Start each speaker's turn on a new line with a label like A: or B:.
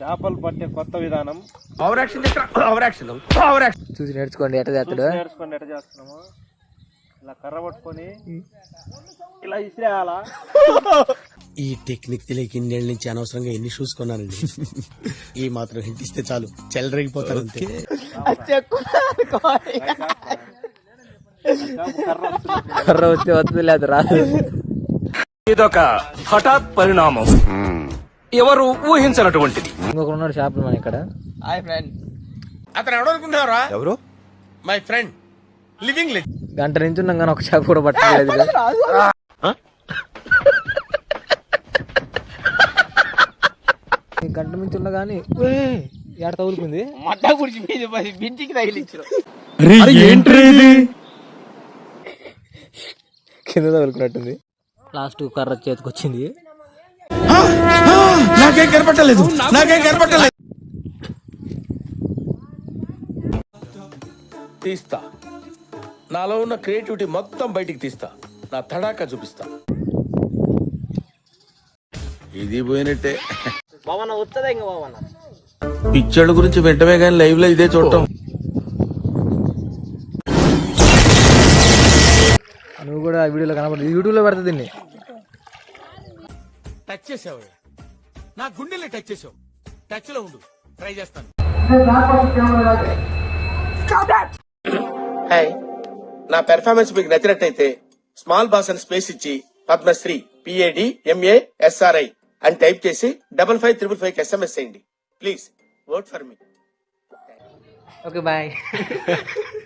A: చేపలు పట్టే కొత్త విధానం
B: చూసి నేర్చుకోండి ఎట్లా చేస్తాడు.
A: నేర్చుకోండి ఎట్లా చేస్తున్నాము. ఇలా కర్ర పట్టుకొని ఇలా ఇసిరేయాలా.
C: ఈ టెక్నిక్ తెలియక ఇన్నేళ్ళ నుంచి అనవసరంగా ఎన్ని షూస్ కొన్నానండి. ఈ మాత్రం హింట్ ఇస్తే చాలు చెల్లరగిపోతారు అంతే.
B: కర్ర వస్తే వస్తుంది లేదు రాదు.
D: ఇదొక హఠాత్ పరిణామం, ఎవరు ఊహించినటువంటిది.
B: ఇంకొక ఉన్నాడు షాపులు మన ఇక్కడ.
C: అతను ఎవడు అనుకుంటున్నారా? ఎవరు? My friend living let.
B: గంట నుంచి ఉన్నాం కానీ ఒక షాప్ కూడా పట్టలేదు. గంట నుంచి ఉన్నా గానీ ఏడ తగులుకుంది.
A: మట్టా గుడిచి బింటికి తగిలించారు.
B: కింద తగులుకున్నట్టుంది. లాస్ట్ కర్ర చేతికి వచ్చింది.
C: నాకేం కనపట్టలేదు. తీస్తా, నాలో ఉన్న క్రియేటివిటీ మొత్తం బయటికి తీస్తా, నా తడాకా చూపిస్తా. ఇది పోయినట్టే.
A: బావన్న వచ్చదా ఇంకా బావన్న
C: పిక్చర్ల గురించి వెంటనే కానీ లైవ్ లో ఇదే చూడటం.
B: నువ్వు కూడా వీడియోలో కనపడదు, యూట్యూబ్ లో పెడతా దీన్ని.
C: టచ్ చేసావు, నా గుండెల్ని టచ్ చేసావు. టచ్ లో ఉండు, ట్రై చేస్తాను. హాయ్, నా పెర్ఫార్మెన్స్ మీకు నచ్చినట్టయితే స్మాల్ బాస్ అని స్పేస్ ఇచ్చి పద్మశ్రీ PADMASRI అని టైప్ చేసి 5555 SMS చేయండి. Please vote for me.
B: Okay bye.